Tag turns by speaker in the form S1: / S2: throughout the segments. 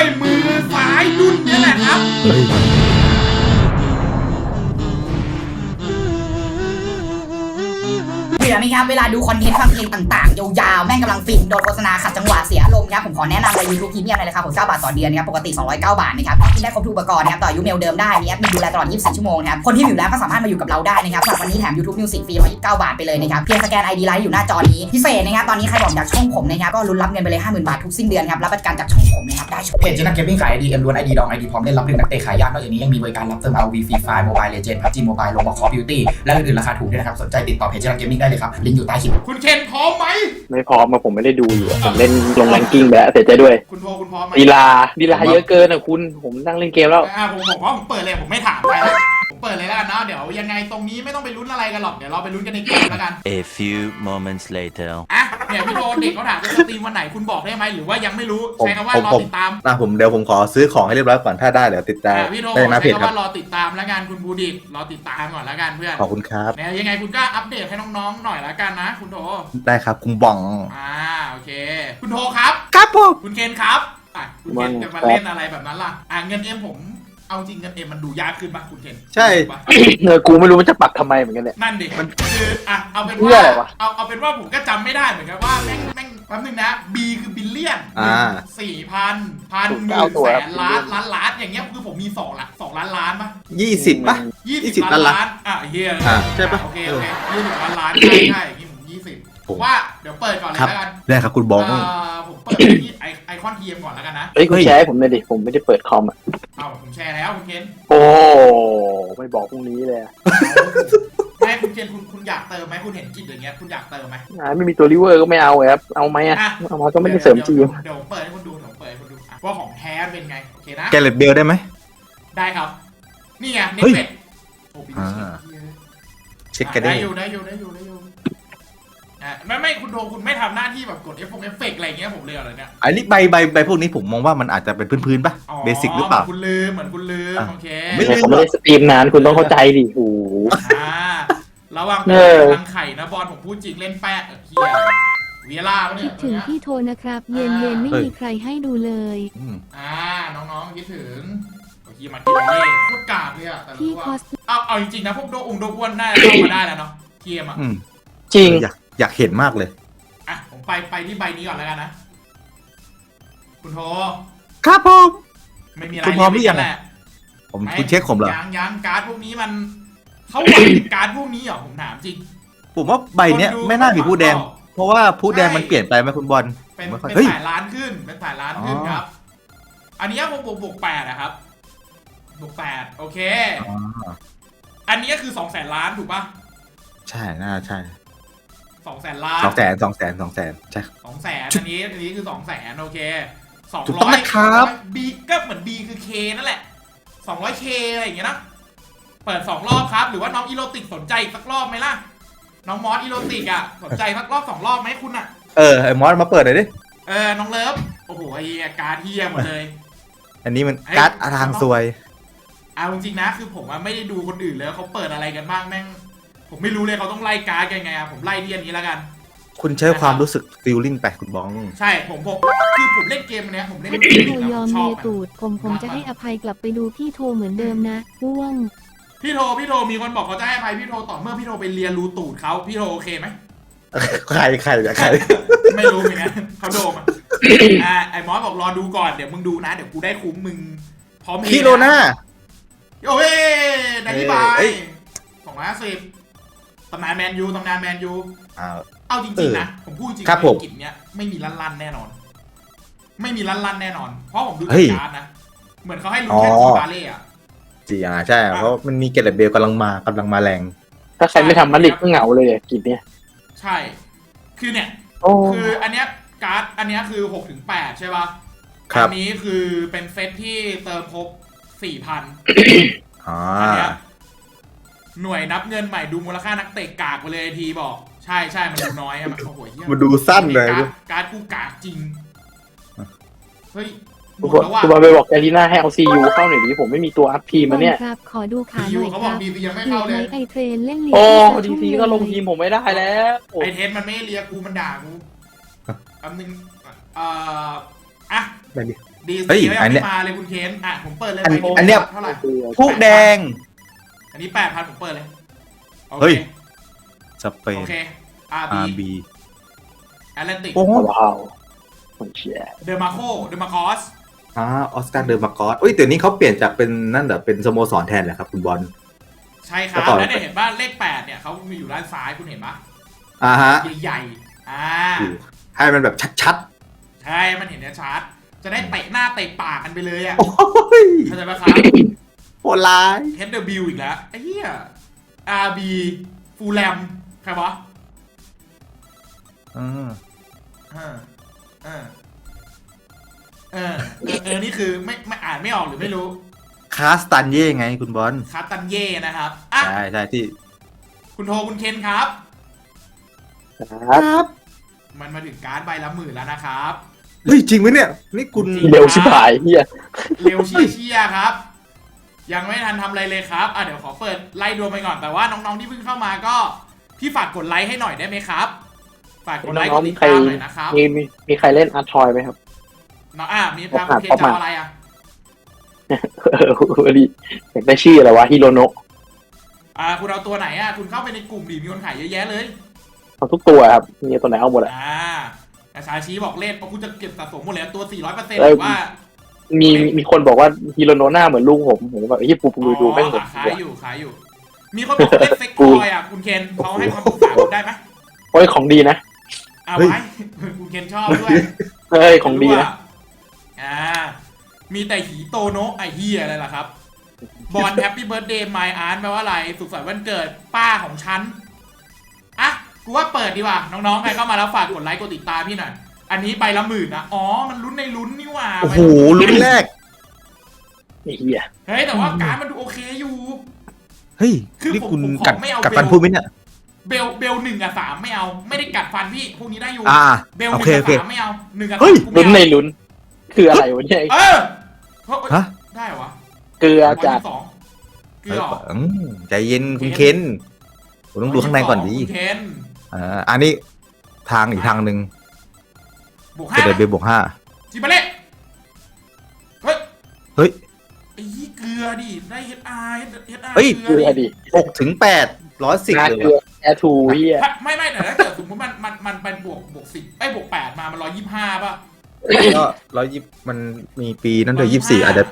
S1: ด้วยมือซ้ายดุนนี่แหละครับเบื่อไหมครับเวลาดูคอนเทนต์ฟังเพลงต่างๆยาวๆแม่งกำลังฟินโดนโฆษณาขัดจังหวะเสียอารมณ์ครับผมขอแนะนำเลย YouTube Premium เลยนะครับผม9 บาทต่อเดือนครับปกติ209 บาทนะครับกินได้ครบทุกอุปกรณ์นะครับต่ออายุเมลเดิมได้มีแอปมีดูแลตลอด24 ชั่วโมงนะครับคนที่อยู่แล้วก็สามารถมาอยู่กับเราได้นะครับสำหรับวันนี้แถม YouTube Music ฟรี129 บาทไปเลยนะครับเพียงสแกน ID ไลน์อยู่หน้าจอนี้พิเศษนะครับตอนนี้ใครบอกอยากช่องผมนะครับก็ลุ้นรับเงินไปเลย 50,000 บาททุกสิ้นเดือนครับรับประกันจากช่องผมนะครับได้เพจเจนักเกมมิ่งขาย ID ล้วน ID ดอง ID พร้อมเล่นรับเล่นนักเตะขายยากนอกจากนี้ยังมีบริการรับเติม RV Free Fire Mobile Legends PUBG Mobile Roblox Call of Duty และอื่นๆราคาถูกด้วยนะครับสนใจติดต่อเพจเจนักเกมมิ่งได้เลยครับลิงก์อยู่ใต้คลิปคุณเคนพร้อมไหม
S2: ไม่พร้อมมาผมไม่ได้ดูอยู่ผมเล่นลงแรงกิ้งไปแล้วเสียใจด้วย
S1: คุณพร้อมไหม
S2: ดีลาเยอะเกินอ่ะคุณผมนั่งเล่นเกมแล้ว
S1: ผมเปิดเลยผมไม่ถามใครแล้วผมเปิดเลยแล้วกันเนาะเดี๋ยวยังไงตรงนี้ไม่ต้องไปลุ้นอะไรกันหรอกเดี๋ยวเราไปลุ้นกันในเกมแล้วกัน
S3: A few moments later
S1: อ่ะเนี่ยพี่โทเด็กเขาถามจะสตรีมวันไหนคุณบอกได้ไหมหรือว่ายังไม่รู้ใช้คำว่ารอติดตาม
S4: เดี๋ยวผมขอซื้อของให้เรียบร้อยก่อนถ้าได้เดี๋ยวติดตาม
S1: พี่โทใช้คำว่ารอติดตามแล้วกันคุณบูดิตรอติดตามก่อนแล้วกันเพื่อน
S4: ขอบคุณครับ
S1: เนี่ยยังไงคุณก็อัปเดตให้น้องๆหน่อยแล้วกันนะคุณโท
S4: ได้ครับคุณบอง
S1: โอเคคุณโทครับ
S4: ผม
S1: คุณเคนครับคุณเคนจะมาเล่นอะไรแบบนั้นล่ะเงินเอ็มผมเอาจริงเงินเอ็มมันดูยากขึ้นป่ะคุณเคน
S4: ใช่
S2: กูไม่รู้มันจะปักทำไมเหมือนกันเนี่ย
S1: นั่นดิมันคือเอาเป็นว่าเอาเป็นว่าผมก็จำไม่ได้เหมือนกันว่าแม่งแป๊บนึงนะ B คือบิลเลียน4,000 1,000,000 แสนล้านอย่างเงี้ยคือผมมี2 ล้านป่ะ
S4: 20ป่ะ
S1: 20 ล้านเฮีย
S4: ใช่ป่ะ
S1: โอเค20 ล้านใช่อย่างงี้ผม20ว่าเดี๋ยวเปิดก่อนเลยแล้วกัน
S4: ได้ครับคุณบอง
S1: ผมเปิดที่ไอคอนทีมก่อนแล้วกันนะ
S2: คุณแชร์ให้ผมเลยดิผมไม่ได้เปิดคอม
S1: ผมแชร์แล้วคุณเคน
S2: โอ้ไม่บอกพรุ่งนี้เลย
S1: แม่คุณเคนคุณอยากเติมไหมคุณเห็นกิจอย่างเงี้ยคุณอยากเติมไหม
S2: ไม่มีตัวริเวอร์ก็ไม่เอาครับเอาไหมเอามาก็ไม่ได้เสริมทีม
S1: เดี๋ยวเปิดให้คุณดูว่าของแท้เป็นไงโอเคนะ
S4: แกเลตเบลได้ไหม
S1: ได้ครับนี่ไงเน็ตเฟด
S4: เช็คกันได้
S1: อยู่ไม่คุณโทคุณไม่ทำหน้าที่แบบกดเอฟเฟกต์อะไรเงี้ยผมเลยอะไรเนี่ย
S4: อันนี้ใบพวกนี้ผมมองว่ามันอาจจะเป็นพื้นป่ะเบสิกหรือเปล่า
S1: เหมือนคุณลืมโอเค
S2: ไม่ได้สตรีมนานคุณต้องเข้าใจดิโอ้
S1: ระวังทางไข่นะบอลผมพูดจริงเล่นแปะเฮียเวียร่า
S5: คิดถึงพี่โทนะครับเย็นไม่มีใครให้ดูเลย
S1: น้องๆคิดถึงทีมากินเล่โคตรกาดเลยแต่รู้ว่าเอาจริงๆนะพวกโดอ้วนได้เข้ามาได้แล้วเนาะเกม
S2: จริง
S4: อยากเห็นมากเลย
S1: ผมไปที่ใบนี้ก่อนแล้วกันนะคุณโท
S4: ครับผม
S1: ไม่มีอะไรคุณพร้อมหรือยัง
S4: คุณเช็คผมเหรอ
S1: ยังการ์ดพวกนี้มันเขาหวังการ์ดพวกนี้เหรอผมถามจริง
S4: ผมว่าใบเนี้ยไม่น่ามีผู้แดงเพราะว่าผู้แดงมันเปลี่ยนไปไหมคุณบอล
S1: เป็นสายล้านขึ้นครับอันนี้ผมบวก8นะครับบวก8โอเคอันนี้คือ200,000 ล้านถูกป่ะ
S4: ใช่น่าใช่
S1: 200,000 ล้าน
S4: 200,000ใช่
S1: 200,000อันนี้คือ200,000โอเค
S4: 200
S1: B ก็เหมือน B คือ K นั่นแหละ 200K อะไรอย่างเงี้ยนะเปิด2 รอบครับหรือว่าน้องอีโรติกสนใจอีกสักรอบไหมล่ะน้องมอสอีโรติกสนใจสักรอบ2 รอบไหมคุณ
S4: ไอ้มอสมาเปิดหน่อยดิ
S1: น้องเลิฟโอ้โหไอ้การ์ดเทียมหมดเลย
S4: อันนี้มันการ์ดทางซวย
S1: เอาจริงๆนะคือผมไม่ได้ดูคนอื่นเลยเขาเปิดอะไรกันบ้างแม่งผมไม่รู้เลยเขาต้องไล่การ์ดยังไงผมไล่ที่อันนี้แล้วกัน
S4: คุณใช้ความรู้สึกฟีลลิ่งไปคุณบ้อง
S1: ใช่ผมคือผมเล่นเกมเนี้ยผมเล่น
S5: พี่โทยอมเมตูดผมจะให้อภัยกลับไปดูพี่โทเหมือนเดิมนะร่วง
S1: พี่โทมีคนบอกเขาจะให้อภัยพี่โทต่อเมื่อพี่โทไปเรียนรู้ตูดเขาพี่โทโอเคไหม
S4: ใคร
S1: ไม่รู้เหมือนกันเขาโดมไอ้มอสบอกรอดูก่อนเดี๋ยวมึงดูนะเดี๋ยวกูได้คุ้มมึงพร้อม
S4: พี่โลน่า
S1: โอ้ยนาทีบาย250ตำนานแมนยูเอาจริงๆนะผมพูดจริงกิจเนี้ยไม่มีลั่นแน่นอนไม่มีลั่นแน่นอนเพราะผมดูจากการ์ดนะเหมือนเขาให้ลุ้นแค่ทีบาเล่
S4: จริงใช่เพราะมันมีเกล็ดเบลกำลังมาแรง
S2: ถ้าใครไม่ทำมันดิก็เหงาเลยกิจเนี้ย
S1: ใช่คือเนี่ยคืออันเนี้ยการ์ดอันเนี้ยคือ6-8ใช่ป่ะอันนี้คือเป็นเซตที่เติมครบ 4,000อันเนี้ยหน่วยนับเงินใหม่ดูมูลค่านักเตะกากไปเลยทีบอกใช่มันดูน้อยมันโอ้โห
S4: มันดูสั้นเลย
S1: การ์ดกูกากจริงเฮ้ย
S2: คุณบอลไปบอกแกลีน่าให้เอาซียูเข้าหน่อยดิผมไม่มีตัวอัพทีมมาเนี่ย
S5: ครับขอดูขาหน่อยครับเขาบอก
S1: ดีซียังไม่เข้าเลย
S5: ไอเทรนเล่น
S2: ดีซีก็ลงทีมผมไม่ได้แล้ว
S1: ไอเทรนมันไม่เรียกกูมันด่ากูคำนึง
S6: ดี
S4: เฮ้ย
S6: ซีก็ยั
S4: อั
S6: ง
S4: นเนี้
S6: ไม่
S4: ย
S6: มาเลยคุณเคนผมเปิดเลย
S4: อันเนี้ย
S6: เท่าไหร่
S4: ผู้แดง
S6: อันนี้8,000ผมเปิดเลยโอ
S4: เฮ้
S6: เค
S4: ย สเป
S6: โอน เค RB
S4: RB
S6: แอตแลนติก
S4: โอ้โห
S2: ว้าวคนเชียร์
S6: เดอร์มาโคเดอร์มาคอส
S4: ออสการ์เดอร์มากอสเอ้ยเดี๋ยวนี้เขาเปลี่ยนจากเป็นนั่นเหรอเป็นสโมสรแทนเหรอครับคุณบอล
S6: ใช่ครับ
S4: แล้วต่อ
S6: แล้วเนี่ยเห็นป่ะเลข8เนี่ยเขามีอยู่ด้านซ้ายคุณเห็นป่ะ
S4: ฮะ
S6: ใหญ่ๆ
S4: ให้มันแบบชัด
S6: ใช่มันเห็นชัดจะได้เตะหน้าเตะปากกันไปเลยอ่ะ
S4: ๆ โอ้ย
S6: เข้าใจปะครับ
S4: โหดร้าย
S6: HW อีกแล้วไอ้เหี้ย RB ฟูลแลมใครวะ
S4: อืม
S6: เออเออนี่คือไม่อ่านไม่ออกหรือไม่รู้
S4: คาสตันเย่ไงคุณบอล
S6: คาตันเย่นะครับอ่ะ
S4: ใช่ใช่ที่
S6: คุณโทคุณเคนครับ
S2: ครับ
S6: มันมาถึงการ์ดใบละ10,000แล้วนะครับ
S4: เฮ้ยจริงไหมเนี่ย นี่คุณ
S2: เร็วชิบหายเฮีย
S6: เร็วเชี่ยครับ ยังไม่ทันทำอะไรเลยครับเดี๋ยวขอเปิดไล่ดวงไปก่อนแต่ว่าน้องๆที่เพิ่งเข้ามาก็พี่ฝากกดไลค์ให้หน่อยได้ไหมครับ ฝากกดไลค์กดติดตามหน่อยนะครับ
S2: มีใครเล่นอาร์ทอยไหมครับ
S6: น้องมีทางคุณเคนจะเอาอะไรอ่ะ
S2: ดีอยากได้ชื่ออะไรวะฮิโรโนะ
S6: คุณเอาตัวไหนอ่ะคุณเข้าไปในกลุ่มดิมีคนขายเยอะแยะเลย
S2: เอาทุกตัวครับมีตัวไหนเอาหมดอะ
S6: แต่ชาชีบอกเล่นเพราะคุณจะเก็บสะสมหมดเลยตัว 400%ห
S2: เอ้ย
S6: รือว่า
S2: มีคนบอกว่าฮิโรโนะหน้าเหมือนลุงผมแบบไอ้ที่ปูดูแม่งเหมือน
S6: ขายอยู่ มีคนบอกเล่นเซ็กคอยอ่ะคุณเคนเขาให้ความปรึกษาคุณได้ไหม
S2: โอ้ยของดีนะ
S6: เอาไว้ คุณเคนชอบด้วย
S2: เฮ้ยของดีนะ
S6: มีแต่หีโตโนะไอเฮียอะไรล่ะครับบอลแฮปปี้เบิร์ดเดย์ไมอาร์ตแปลว่าอะไรสุขสันต์วันเกิดป้าของฉันอ่ะกูว่าเปิดดีกว่าน้องๆใครเข้ามาแล้วฝากกดไลค์กดติดตามพี่หน่อยอันนี้ใบละ10,000นะอ๋อมันลุ้นในลุ้นนี่หว่า
S4: โอ้โหลุ้นแรก
S2: ไอ้เฮีย
S6: เฮ้ยแต่ว่าการมันดูโอเคอยู่
S4: เฮ้ย
S6: คือ
S4: นี่คุณ
S6: ผมขอ
S4: กัด
S6: ไม่เอา
S4: กัดฟัน
S6: เบล
S4: พูดไหมเนี่ย
S6: เบล1 กับ 3ไม่เอาไม่ได้กัดฟันพี่พวกนี้ได้อยู่ เบล
S4: โอ
S6: 1
S4: เค
S6: กั
S4: โอบ เค
S6: 3ไม่เอา1 กับ
S4: เฮ้ย
S6: 3กูไม่
S2: ลุ้นใน
S6: เอา
S2: ลุ้น คืออะไรวะเนี่ย
S6: เออ
S4: ฮะ
S6: ได้เหรอวะ
S2: เกลือจัด
S6: 122เกลือเหรอ
S4: ใจเย็นคุณเคนผมต้องดูข้างในก่อนดี
S6: คุณเคน
S4: อันนี้ทางอีกทางหนึ่ง
S6: บวก
S4: จะ
S6: 5
S4: ได้เบลบวก
S6: จิบาเล่เฮ้ย
S4: 5เฮ้ย
S6: ไอ้ยี่เกลือดิได้ HR
S4: เฮ้ย
S2: เกลือดิ
S4: 6 ถึง 8 110
S2: นา
S4: เลย
S2: เกลือ
S4: วะ
S2: แอร์ทูเฮีย
S6: ไม่แต่ถ้าเกิดสมมติมันเป็นบวก10บวก8มามัน125ป่ะ
S4: ก็120มันมีปีนั้นด้วย24อาจจะ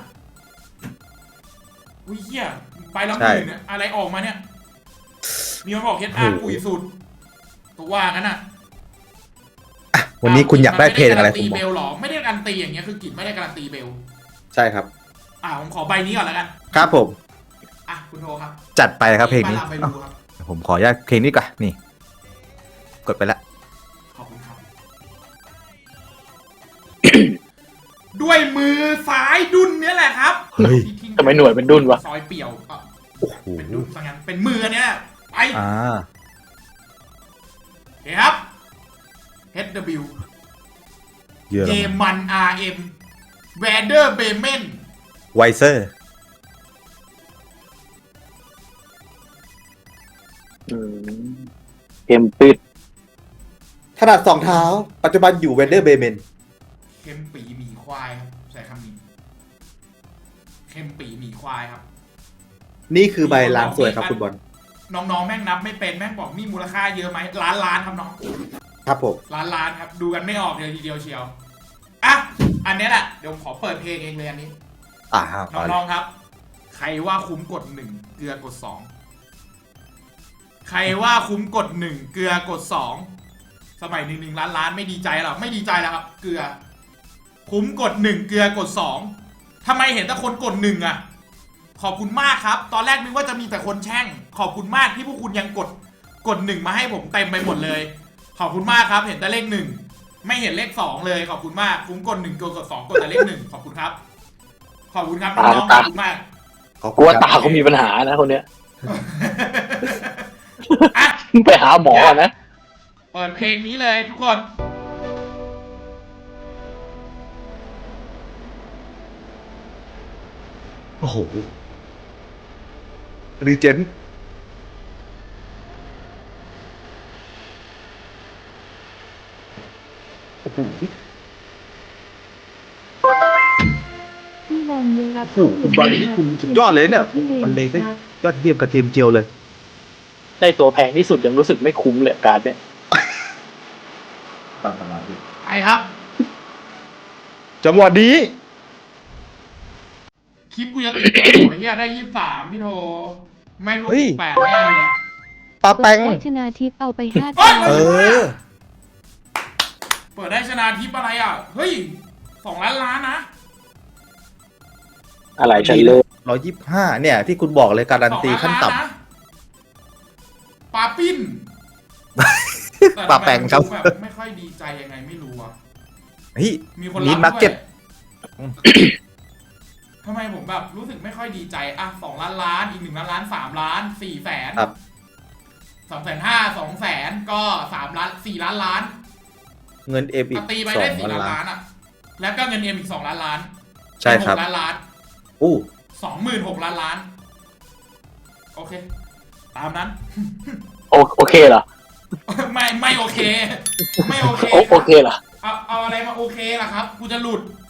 S6: อุ้ยเหี้ยไปละ
S4: ใช่
S6: 10,000เนี่ยอะไรออกมาเนี่ยมีคนบอก HR
S4: โอ้โห
S6: ปุ๋ยสุดตัวว่างั้นอ่ะ
S4: วันนี้คุณอยากได้เพลงอะไร
S6: ม่
S4: ผม
S6: ด้การันตี
S4: บ
S6: เบ
S4: อก
S6: ลหรอไม่ได้การันตีอย่างเงี้ยคือกิจไม่ได้การันตีเบล
S4: ใช่ครับ
S6: ผมขอใบนี้ก่อนแล้วกัน
S4: ครับผม
S6: คุณโทครับ
S4: จัดไปครับเพลงนี้
S6: บ้าราไปดูครับ
S4: ผมขออนุญาตเพลงนี้ก่อนนี่ กดไปละ
S6: ขอบคุณครับ ด้วยมือซ้ายดุนเนี่ยแหละครับ
S4: เฮ้ย
S2: ทำไมหน่วยเป็นดุนวะ
S6: ซอยเปี่ยว
S4: โอ้โห
S6: เป็นดุนซะงั้นเป็นมือเนี่ยไป
S4: อ่า
S6: โอเคครับ HW
S4: เยอะ
S6: เย
S4: แล้ว
S6: มัน RM แวเดอร์เบเมน
S4: ไวเซอร์
S2: เกมปิด
S4: ถนัดสองเท้า ปัจจุบันอยู่เวนเดอร์เบเมน
S6: เข้มปีหมีควายครับใช้คำนี้เข้มปีหมีควายครับ
S4: นี่คือใบล้างสวยครับคุณบอล
S6: น้องๆแม่งนับไม่เป็นแม่งบอกมีมูลค่าเยอะไหมล้านครับน้อง
S4: ครับผม
S6: ล้านครับดูกันไม่ออกเลยทีเดียวเชียวอ่ะอันนี้แหละเดี๋ยวผมขอเปิดเพลงเองเลยอันนี้ น้องๆครับ ใครว่าคุ้มกด1เกลือกด2ใครว่าคุ้มกด1เกลือกด2สมัย1 ล้านไม่ดีใจหรอไม่ดีใจแล้วครับ เกลือ คุ้มกด1เกลือกด2ทำไมเห็นแต่คนกด1อ่ะขอบคุณมากครับ ตอนแรกนึกว่าจะมีแต่คนแช่งขอบคุณมากที่พวกคุณยังกด1มาให้ผมเต็มไปหมดเลยขอบคุณมากครับเห็นแต่เลข1ไม่เห็นเลข2เลยขอบคุณมากคุ้มกด1กด2กดแต่เลข1ขอบคุณครับขอบคุณครับน้องๆขอบคุณมาก
S2: กูว่าตาเขามีปัญหานะคนเนี้ย
S6: อ่ะ
S2: ไปหาหมอนะ
S6: เปิดเพลงนี้เลยทุกคน
S4: โอ้โห รีเจนโอ้โห
S5: ครับ
S4: โอ้โหคุณบอลนี่คุณสุดยอดเลยเนี่ยมันเลยได้ยอดเยี่ยมกระเทียมเจียวเลย
S2: ได้ตัวแพงที่สุดยังรู้สึกไม่คุ้มเลยการ์ดเนี่ย
S6: ไปครับ
S4: จังหวะนี้
S6: คลิปกูจะติดโอ้ยเฮียได้23พี่โทไม่รู้18แน่เลย
S4: ปลาแปง
S5: ชนาทิพย์เอาไป5
S6: เฮ้ย
S4: เออ
S6: เปิดได้ชนะทิปอะไรอ่ะ เฮ้ย2 ล้านนะ
S2: อะไรฉันเลย
S4: 125เนี่ยที่คุณบอกเลยการันตีขั้นต่
S6: 2 ล้าะปลาปิ้น
S4: ปลาแปงครับ
S6: ต่ทำไมแบบไม่ค่อยดีใจยังไงไม่รู้อ่ะ
S4: ำเฮ้ย
S6: มีคน
S4: มี
S6: รับ
S4: มาร์เก็ต
S6: ด้วยทำไมผมแบบรู้สึกไม่ค่อยดีใจอ่ะ2 ล้านอีก1 ล้าน3 ล้าน4 แสน
S4: ครับ
S6: 2,500,000 200,000ก็3 ล้าน4 ล้าน
S4: เงินเอฟอี
S6: ก็
S4: ก
S6: ตีไป
S4: สอ
S6: ได้
S4: ง
S6: 4 ล้าน
S4: ล้า
S6: ล้าน นอ่ะ แล้วก็เงินเอ็มอีก2 ล้าน
S4: ใช่ครับ
S6: 6 ล้าน
S4: อู้
S6: 26 ล้าน โอเค ตามนั้น
S2: โอเคเหรอ
S6: ไม่โอเค ไม่โอเค
S2: โอเคเหรอ
S6: เอาอะไรมาโอเคล่ะครับ กูจะหลุด